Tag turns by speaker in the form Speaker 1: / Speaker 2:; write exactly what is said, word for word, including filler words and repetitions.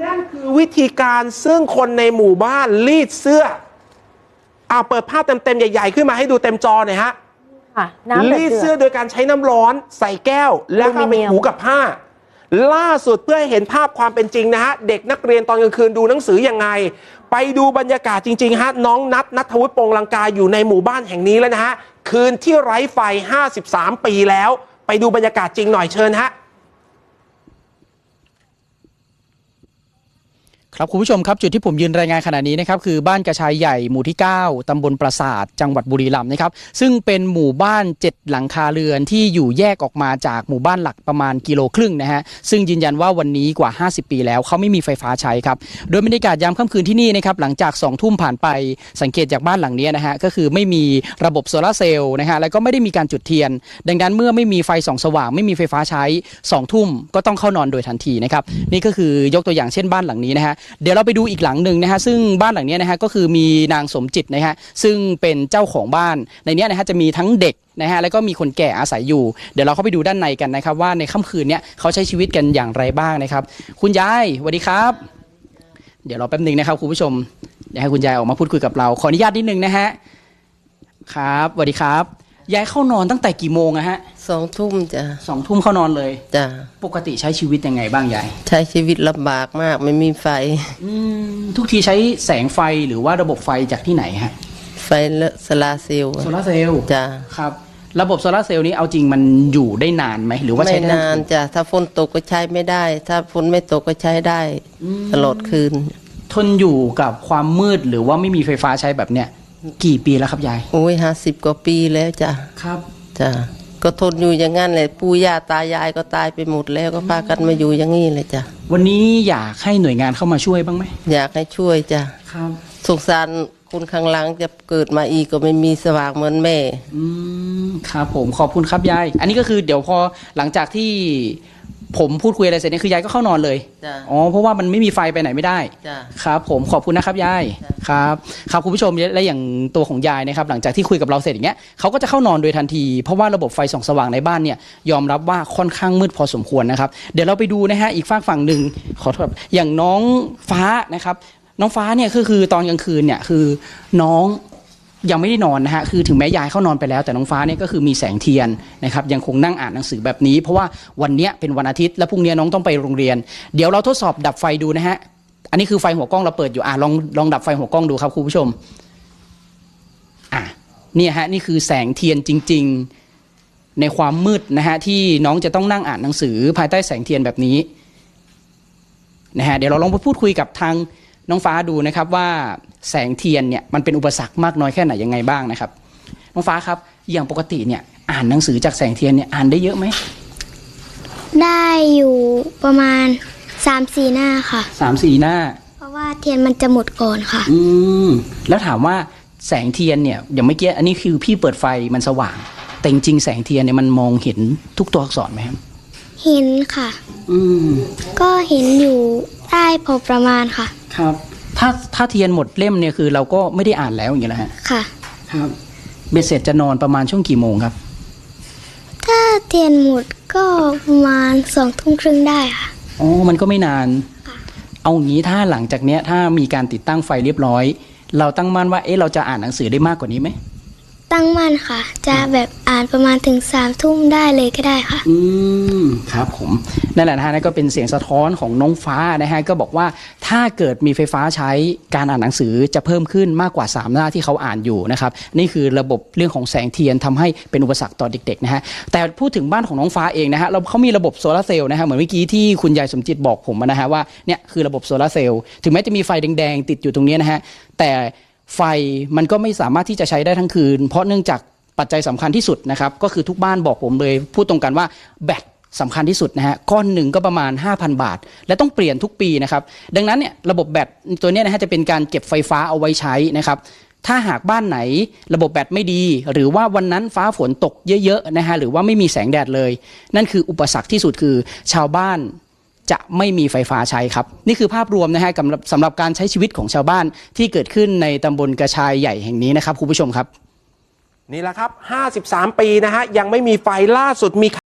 Speaker 1: นั่นคือวิธีการซึ่งคนในหมู่บ้านรีดเสื้อเอาเปิดภาพเต็มๆใหญ่ๆขึ้นมาให้ดูเต็มจอหน่อยฮะรีดเสื้อโดยการใช้น้ำร้อนใส่แก้วแล้วก็ไปถูกับผ้าล่าสุดเพื่อให้เห็นภาพความเป็นจริงนะฮะเด็กนักเรียนตอนกลางคืนดูหนังสือยังไงไปดูบรรยากาศจริงๆฮะน้องนัทณัฐวุฒิ ปงลังกาอยู่ในหมู่บ้านแห่งนี้แล้วนะฮะคืนที่ไร้ไฟห้าสิบสามปีแล้วไปดูบรรยากาศจริงหน่อยเชิญฮะ
Speaker 2: ครับคุณผู้ชมครับจุดที่ผมยืนรายงานขณะนี้นะครับคือบ้านกระชายใหญ่หมู่ที่เก้าตำบลปราสาทจังหวัดบุรีรัมย์นะครับซึ่งเป็นหมู่บ้านเจ็ดหลังคาเรือนที่อยู่แยกออกมาจากหมู่บ้านหลักประมาณกิโลครึ่งนะฮะซึ่งยืนยันว่าวันนี้กว่าห้าสิบปีแล้วเขาไม่มีไฟฟ้าใช้ครับโดยบรรยากาศยามค่ำคืนที่นี่นะครับหลังจากสองทุ่มผ่านไปสังเกตจากบ้านหลังนี้นะฮะก็คือไม่มีระบบโซลาร์เซลล์นะฮะแล้วก็ไม่ได้มีการจุดเทียนดังนั้นเมื่อไม่มีไฟส่องสว่างไม่มีไฟฟ้าใช้สองทุ่มก็ต้องเข้านอนโดยทันทีนะครับนี่ก็คือยกตัวอย่างเช่นบ้านหลังนี้นะฮะเดี๋ยวเราไปดูอีกหลังหนึ่งนะฮะซึ่งบ้านหลังนี้นะฮะก็คือมีนางสมจิตนะฮะซึ่งเป็นเจ้าของบ้านในนี้นะฮะจะมีทั้งเด็กนะฮะแล้วก็มีคนแก่อาศัยอยู่เดี๋ยวเราเข้าไปดูด้านในกันนะครับว่าในค่ำคืนนี้เขาใช้ชีวิตกันอย่างไรบ้างนะครับคุณยายสวัสดีครับเดี๋ยวรอแป๊บนึงนะครับคุณผู้ชมเดี๋ยวให้คุณยายออกมาพูดคุยกับเราขออนุญาตนิดนึงนะฮะครับสวัสดีครับยายเข้านอนตั้งแต่กี่โมงอะฮะ
Speaker 3: สองทุ่มจ้ะ
Speaker 2: สองทุ่มเข้านอนเลย
Speaker 3: จ้ะ
Speaker 2: ปกติใช้ชีวิตยังไงบ้างยาย
Speaker 3: ใช้ชีวิตลำบากมากไม่มีไฟ
Speaker 2: ทุกทีใช้แสงไฟหรือว่าระบบไฟจากที่ไหนฮะ
Speaker 3: ไฟโซลาร์เซลล์
Speaker 2: โซลาร์เซลล์
Speaker 3: จ้ะ
Speaker 2: ครับระบบโซลาร์เซลล์นี้เอาจริงมันอยู่ได้นานไหมหรือว่าใช้
Speaker 3: ไม่นานจ้ะถ้าฝนตกก็ใช้ไม่ได้ถ้าฝนไม่ตกก็ใช้ได้ตลอดคืน
Speaker 2: ทนอยู่กับความมืดหรือว่าไม่มีไฟฟ้าใช้แบบเนี้ยกี่ปีแล้วครับยาย
Speaker 3: โอ้ยห้าสิบกว่าปีแล้วจ้ะ
Speaker 2: ครับ
Speaker 3: จ้ะก็ทนอยู่อย่างนั้นเลยปู่ย่าตายายก็ตายไปหมดแล้วก็พากันมาอยู่อย่างนี้เลยจ้ะ
Speaker 2: วันนี้อยากให้หน่วยงานเข้ามาช่วยบ้างไหม
Speaker 3: อยากให้ช่วยจ้ะ
Speaker 2: ครับ
Speaker 3: สงสารคนข้างหลังจะเกิดมาอีกก็ไม่มีสว่างเหมือนแม่
Speaker 2: อืมครับผมขอบคุณครับยายอันนี้ก็คือเดี๋ยวพอหลังจากที่ผมพูดคุยอะไรเสร็จเนี่ยคือยายก็เข้านอนเลยอ๋อเพราะว่ามันไม่มีไฟไปไหนไม่ได้ครับผมขอบคุณนะครับยายครับครับคุณผู้ชมและอย่างตัวของยายนะครับหลังจากที่คุยกับเราเสร็จอย่างเงี้ยเขาก็จะเข้านอนโดยทันทีเพราะว่าระบบไฟส่องสว่างในบ้านเนี่ยยอมรับว่าค่อนข้างมืดพอสมควรนะครับเดี๋ยวเราไปดูนะฮะอีกฝากฝั่งหนึ่งขอโทษอย่างน้องฟ้านะครับน้องฟ้าเนี่ยก็คือตอนกลางคืนเนี่ยคือน้องยังไม่ได้นอนนะฮะคือถึงแม้ยายเข้านอนไปแล้วแต่น้องฟ้าเนี่ยก็คือมีแสงเทียนนะครับยังคงนั่งอ่านหนังสือแบบนี้เพราะว่าวันนี้เป็นวันอาทิตย์และพรุ่งนี้น้องต้องไปโรงเรียนเดี๋ยวเราทดสอบดับไฟดูนะฮะอันนี้คือไฟหัวกล้องเราเปิดอยู่อ่ะลองลองดับไฟหัวกล้องดูครับคุณผู้ชมอ่ะเนี่ยฮะนี่คือแสงเทียนจริงๆในความมืดนะฮะที่น้องจะต้องนั่งอ่านหนังสือภายใต้แสงเทียนแบบนี้นะฮะเดี๋ยวเราลองไปพูดคุยกับทางน้องฟ้าดูนะครับว่าแสงเทียนเนี่ยมันเป็นอุปสรรคมากน้อยแค่ไหนยังไงบ้างนะครับน้องฟ้าครับอย่างปกติเนี่ยอ่านหนังสือจากแสงเทียนเนี่ยอ่านได้เยอะไหม
Speaker 4: ได้อยู่ประมาณสามสี่หน้าค่ะ
Speaker 2: สามสี่หน้า
Speaker 4: เพราะว่าเทียนมันจะหมดก่อนค่ะ
Speaker 2: อืมแล้วถามว่าแสงเทียนเนี่ยอย่างเมื่อกี้อันนี้คือพี่เปิดไฟมันสว่างแต่จริงๆแสงเทียนเนี่ยมันมองเห็นทุกตัวอักษรไหมครับ
Speaker 4: เห็นค่ะ
Speaker 2: อืม
Speaker 4: ก็เห็นอยู่ได้พอประมาณค่ะ
Speaker 2: ครับถ้าถ้าเทียนหมดเล่มเนี่ยคือเราก็ไม่ได้อ่านแล้วอย่างเงี้ยนะฮะ
Speaker 4: ค่ะ
Speaker 2: ครับเบ็ดเสร็จจะนอนประมาณช่วงกี่โมงครับ
Speaker 4: ถ้าเทียนหมดก็ประมาณสองทุ่มครึ่งได้ค่ะ
Speaker 2: อ๋อมันก็ไม่นานเอางี้ถ้าหลังจากเนี้ยถ้ามีการติดตั้งไฟเรียบร้อยเราตั้งมั่นว่าเอ๊ะเราจะอ่านหนังสือได้มากกว่านี้ไหม
Speaker 4: ตั้งมั่นค่ะจะแบบอ่านประมาณถึงสามทุ่มได้เลยก็ได้ค่ะ
Speaker 2: อืมครับผมนั่นแหละนะฮะนั่นก็เป็นเสียงสะท้อนของน้องฟ้านะฮะก็บอกว่าถ้าเกิดมีไฟฟ้าใช้การอ่านหนังสือจะเพิ่มขึ้นมากกว่าสามหน้าที่เขาอ่านอยู่นะครับนี่คือระบบเรื่องของแสงเทียนทำให้เป็นอุปสรรคต่อเด็กๆนะฮะแต่พูดถึงบ้านของน้องฟ้าเองนะฮะเราเขามีระบบโซลาร์เซลล์นะฮะเหมือนเมื่อกี้ที่คุณยายสมจิตบอกผมนะฮะว่าเนี่ยคือระบบโซลาร์เซลล์ถึงแม้จะมีไฟแดงๆติดอยู่ตรงนี้นะฮะแต่ไฟมันก็ไม่สามารถที่จะใช้ได้ทั้งคืนเพราะเนื่องจากปัจจัยสำคัญที่สุดนะครับก็คือทุกบ้านบอกผมเลยพูดตรงกันว่าแบตสำคัญที่สุดนะฮะก้อนหนึ่งก็ประมาณ ห้าพัน บาทและต้องเปลี่ยนทุกปีนะครับดังนั้นเนี่ยระบบแบตตัวนี้นะฮะจะเป็นการเก็บไฟฟ้าเอาไว้ใช้นะครับถ้าหากบ้านไหนระบบแบตไม่ดีหรือว่าวันนั้นฟ้าฝนตกเยอะๆนะฮะหรือว่าไม่มีแสงแดดเลยนั่นคืออุปสรรคที่สุดคือชาวบ้านจะไม่มีไฟฟ้าใช้ครับนี่คือภาพรวมนะฮะสำหรับการใช้ชีวิตของชาวบ้านที่เกิดขึ้นในตำบลกระชายใหญ่แห่งนี้นะครับคุณผู้ชมครับ
Speaker 1: นี่แหละครับห้าสิบสามปีนะฮะยังไม่มีไฟล่าสุดมี